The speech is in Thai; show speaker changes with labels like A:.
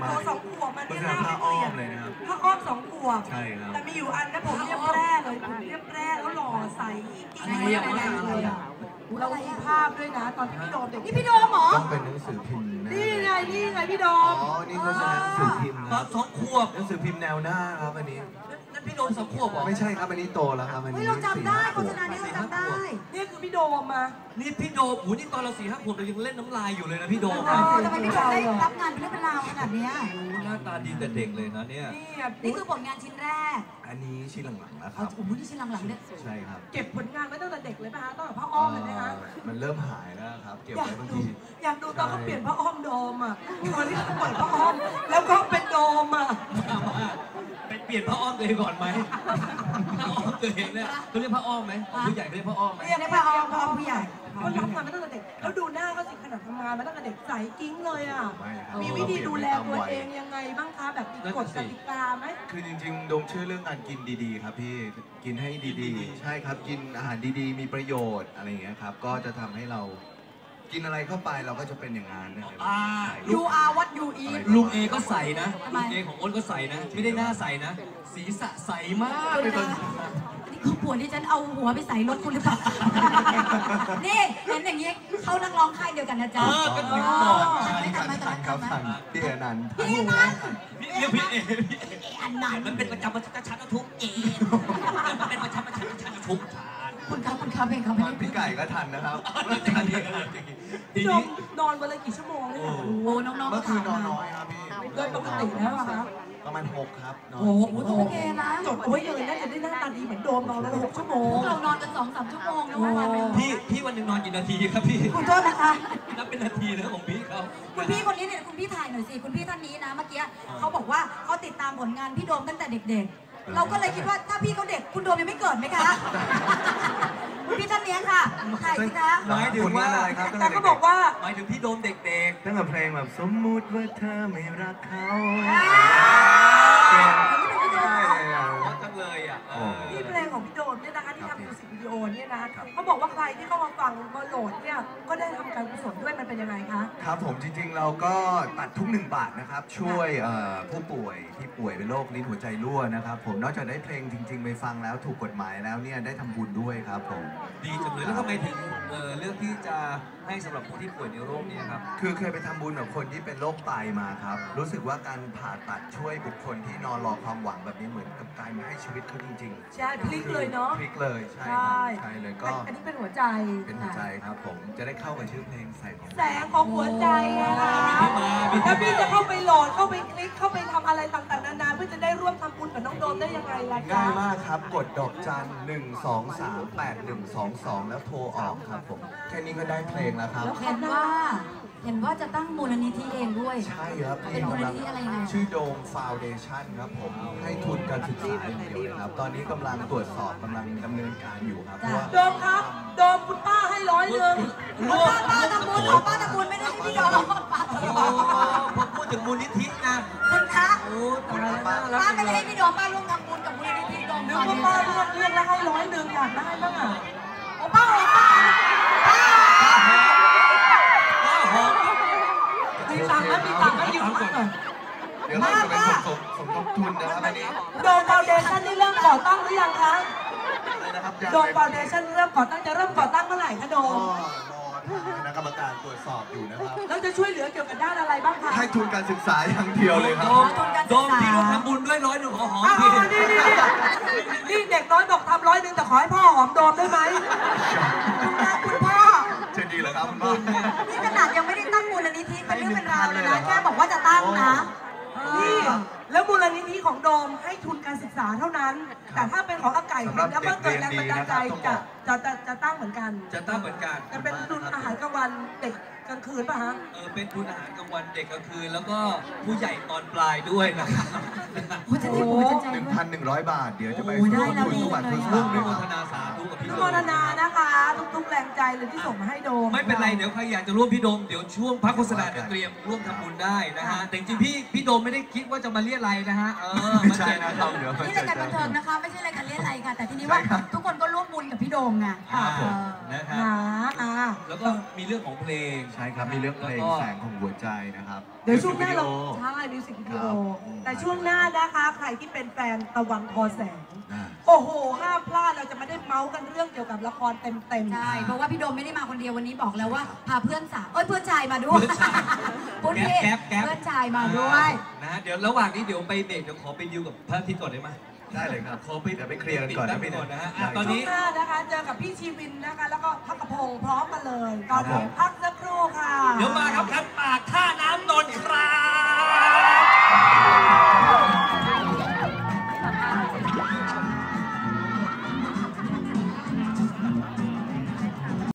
A: โอ้2 ขวบมันเนี่ยผ้าอ้อมเลยนะครับผ้าอ้อม2 ขวบ
B: ใช่ครับ
A: แต่มีอยู่อันนะผมเรียบแร่เลยผมเรียบแร่แล้วหล่อใสกิ๊กเลยอ่ะเรามีภาพด้วยนะตอนที่พี่โดมเด็กนี่พี่โดมเหรอ
C: ต้องเป็นหนังสือพิมพ์
A: นี่ไงพี่โดม
C: อ๋อนี่ก็หนังสือพิมพ์นะ
B: 2 ขวบ
C: หนังสือพิมพ์แนวหน้าครับอันนี้
B: นั่นพี่โดม2 ขวบเหรอ
C: ไม่ใช่ครับอันนี้โตแล้วครับอันนี้
A: เราจำได้โฆษณานี้เราจำได้นี่คือพี่โดมมา
B: นี่พี่โดมโอ้นี่ตอนเรา4-5 ขวบเรายังเล่นน้ำลายอยู่เลยนะพี่โดม
D: ทำไมพี่โดมได้รับงานเป็นเรื่องเป็นราวขนาดนี้
B: หน้าตาดีแต่เด็กเลยนะเนี่ย
D: นี่คือผลงานชิ้นแรก
C: อันนี้ชิ้นหลังๆนะครับ
D: โอ้โหนี่ชิ้นหลังๆเนี่ย
C: ใช่ครับ
A: เก็บผลงานไว้ตั้งแต่เด็กเลยป่ะฮะตั้งแต่ผ้าอ้อมเลยไหมฮะ
C: มันเริ่มหายแล้วครับเก็บไว้บางที
A: อยากดูตอนเขาเปลี่ยนผ้าอ้อมโดมอ่ะตอนที่เขาเปิดผ้าอ้อมแล้วก็เป็นโดมอ่ะ
B: ไปเปลี่ยนผ้าอ้อมตัวเองก่อนไหมผ้าอ้อมตัวเองเนี่ยเขาเรียกผ้าอ้อมไหมผู้ใหญ่เขาเรียกผ้าอ้อมไหม
D: เรียกผ้าอ้อมผู้ใหญ่
A: เขาทำงานมาตั้งแต่เด็กแล้วดูหน้าเขาสิขนาดทำงานมาตั้งแต่เด็กใสกิ้งเลยอ่ะมีวิธีดูแลตัวเองยังไงบ้างคะแบบมีกฎกติกาไหม
C: คือจริงๆโดมเชื่อเรื่องการกินดีๆครับพี่กินให้ดีๆใช่ครับกินอาหารดีๆมีประโยชน์อะไรอย่างเงี้ยครับก็จะทำให้เรากินอะไรเข้าไปเราก็จะเป็นอย่างนั้นนะครับ
D: You are what you eat
B: ลุงเอก็ใส่นะลุงเอของอ้นก็ใส่นะไม่ได้หน้าใส่นะศีรษะใสมากเลยตอน
D: นี่คือปวดที่ฉันเอาหัวไปใส่รถคุณหรือเปล่านี่เห็นอย่างนี้เขานักร้องค่ายเดียวกันนะจ๊ะ
B: ก็ถึงบอก
C: พี่อนันต์ครับพี่อนันต์
D: พี่อนันต์
B: เรียกพี่เอ
D: อันนั้น
B: มันเป็นประจำชัดทุกเอมันเป็นประจำชัดทุก
D: คุณครับเพลงเขา
C: พี่ไก่ก็ทันนะครับ
A: ทีนี้นอนวันละกี่ชั่วโมงเนี่ย
D: โอ้น้องๆ
C: เมื่อคืนนอนน้อยครับพี่
A: โดยปกติแล้วอะครับ
C: ประมาณ6ครับ
D: โอ้โหโอเคนะ
A: จดเอาไว้เลยน่าจะได้หน้าตาดีเหมือนโดมนอนวันละ6 ชั่วโมง
D: เรานอนกัน2-3 ชั่วโมงนะวัน
B: พี่วันหนึ่งนอนกี่นาทีครับพี่
D: คุณโทษนะคะ
B: นับเป็นนาทีนะของพี่เขา
D: คุณพี่คนนี้เนี่ยคุณพี่ถ่ายหน่อยสิคุณพี่ท่านนี้นะเมื่อกี้เขาบอกว่าเขาติดตามผลงานพี่โดมตั้งแต่เด็กๆเราก็เลยคิดว่าถ้าพี่เขาเด็กคุณโดมยังไม่เกิดไหมคะคุณพี่ท่านนี้ค่ะถ่ายสิคะ
B: หมายถึงว่าอะไรครับ
A: แต่ก็บอกว่า
B: หมายถึงพี่โดมเด็กๆ
C: ตั้งแต่เพลงแบบสมมุติว่าเธอไม่รักเขา
B: จังเลยอ่ะ
A: นี่เพลงของพี่โดมเนี่ยนะคะที่ทำมิวสิกวิดีโอเนี่ยนะเขาบอกว่าใครที่เข้ามาฟังมาโหลดเนี่ยก็ได้ทำการกุศลด้วยมันเป็นยังไงคะ
C: ครับผมจริงๆเราก็ตัดทุก1 บาทนะครับช่วยผู้ป่วยที่ป่วยเป็นโรคลิ้นหัวใจรั่วนะครับผมนอกจากได้เพลงจริงๆไปฟังแล้วถูกกฎหมายแล้วเนี่ยได้ทำบุญด้วยครับผม
B: ดีจังเลยแล้วทำไมถึงเลือกที่จะให้สำหรับผู้ที่ป่วยในโรคนี้ครับ
C: คือเคยไปทำบุญกับคนที่เป็นโรคไตมาครับรู้สึกว่าการผ่าตัดช่วยบุคคลที่นอนรอความหวังแบบนี้เหมือนกับการมาให้ชีวิตเขาจริง
A: ๆใช่พลิกเลยเนาะ
C: พลิกเลยใช่ใช่เลยก็
A: อันนี้เป็นหัวใจ
C: เป็นหัวใจครับผมจะได้เข้ากับชื่อเพลง
A: แสงของหัวใจนะคะถ้าพี่จะเข้าไปโหลดเข้าไปคลิกเข้าไปทำอะไรต่างๆนานาเพื่อจะได้ร่วมทำบุญกับน้องโดมได้ยังไงล่ะ
C: ง่ายมากครับกดดอกจัน1238122แล้วโทรออกครับผมแค่นี้ก็ได้เพลงแล้วครับ
D: เห็นว่าจะตั้งมูลนิธิเองด้วย
C: ใช่ครับ
D: เป็นมูลนิธิอะไรไง
C: ชื่อโดมฟาวเดชั่นครับผมให้ทุนการศึกษาอย่างเดียวเลยครับตอนนี้กำลังตรวจสอบกำลังดำเนินการอยู่ครับ
A: โดมครับโดมคุณป้าให้100 นึง
D: ป้าตะมูลป้าตะมูลไม่ได้พี่โดม
B: ผมพูดถึงมูลนิธินะ
D: คุณคะ
B: โอ้ตายแล้ว
D: ป้าไม่ได้พี่โดมป้าร่วมทำบุญกับมูลนิธิโดม
A: นึกว่าป้าเลือกแล้วให้100 นึงอยากได้บ้างอ่ะ
D: โอ้ป้า
A: มีตังค์ให้ยืมก่อน
C: เดี๋ยวเราจะไปสมทบทุนนะครับอันนี้
A: โดมฟาวเดชั่นนี่เริ่มก่อตั้งหรือยังคะโดมฟาวเดชั่นเริ่มก่อตั้งจะเริ่มก่อตั้งเมื่อไหร่คะโดม
C: คณะกรรมการตรวจสอบอยู่นะครับ
A: แล้วจะช่วยเหลือเกี่ยวกับด้านอะไรบ้างคะ
C: ให้ทุนการศึกษาอย่างเดียวเลยครับ
B: โดมที่ร่วมทำบุญด้วย100 นึงขอหอม
A: นี่เด็กน้อยบอกทำ100 นึงแต่ขอให้พ่อหอมโดมได้ไหม
D: คุณพ่อ
C: จะดีเหรอครับคุณพ่อ
D: นี่ขนาดยังไม่ได้ตั้งมูลนิธิเป็นเรื่องเป็นราวเลยนะแค่บอกว่าจะตั้งนะ
A: นี่แล้วมูลนิธิของโดมให้ทุนการศึกษาเท่านั้นแต่ถ้าเป็นของอาไก่แล้วเมื่อเกิดแรงบันดาลใจจะตั้งเหมือนกัน
B: จะตั้งเหมือนกัน
A: จะเป็นทุนอาหารกลางวันเด็กกลางคืนป่ะฮะ
B: เป็นทุนอาหารกลางวันเด็กกลางคืนแล้วก็ผู้ใหญ่ตอนปลายด้วยนะครับ
D: โอ้โห
C: 1,100 บาทเดี๋ยวจะไปร่วมทุนทุกบาททุกสตางค์เลยครับ
B: โมทนาสาธุกับพี่โดม
A: โมทนานะคะทุกแรงใจเลยที่ส่งมาให้โดม
B: ไม่เป็นไรเดี๋ยวใครอยากจะร่วมพี่โดมเดี๋ยวช่วงพักโฆษณาเตรียมร่วมทำบุญได้นะฮะแต่จริงพี่โดมไม่ได้คิดว่าจะมาเรียอะไรนะฮะ
C: ไม่ใช่นะครับเดี๋ยว
D: นี่รายการบันเทิงนะคะไม่ใช่รายการเรียอะไรค่ะแต่ทีนี้ว่าทุกคนก็ร่วมบุญกับพี่โดมไง
B: นะครับแล้วก็มีเรื่องของเพลง
C: ใช่ครับมีเรื่องเพลงแสงของหัวใจนะครับ
A: เดี๋ยวช่วงหน้าเราใช่มิวสิกวิแต่ช่วงหน้านะคะใครที่เป็นแฟนตะวันทอแสง
C: อ่า
A: โอ้โหห้ามพลาดเราจะไม่ได้เมาส์กันเรื่องเกี่ยวกับละครเต็มๆ
D: ใช่เพราะว่าพี่โดมไม่ได้มาคนเดียววันนี้บอกแล้วว่าพาเพื่อนสาวเพื่อนชายมาด้วยพูดผิด
B: แก๊ป
D: เพื่อนชายมาด้วย
B: นะฮะเดี๋ยวระหว่างนี้เดี๋ยวไปเบรกเดี๋ยวขอไปดิวกับพระอาทิตย์ก่อนได้ไหม
C: ได้เลยครับ
B: ขอไป
C: เดี๋ยวไปเคลียร์กันก่อนนะพี่
B: ก่อนนะฮะ
C: ได้
B: ตอนนี้
A: ช่วงหน้านะคะเจอกับพี่ชีวินนะคะ แล้วก็พักกระพงพร้อมกันเลย ตอนนี้พักสักครู่ค่ะ
B: เดี๋ยวมาครับคันปากท่าน้ำนนท์ครับ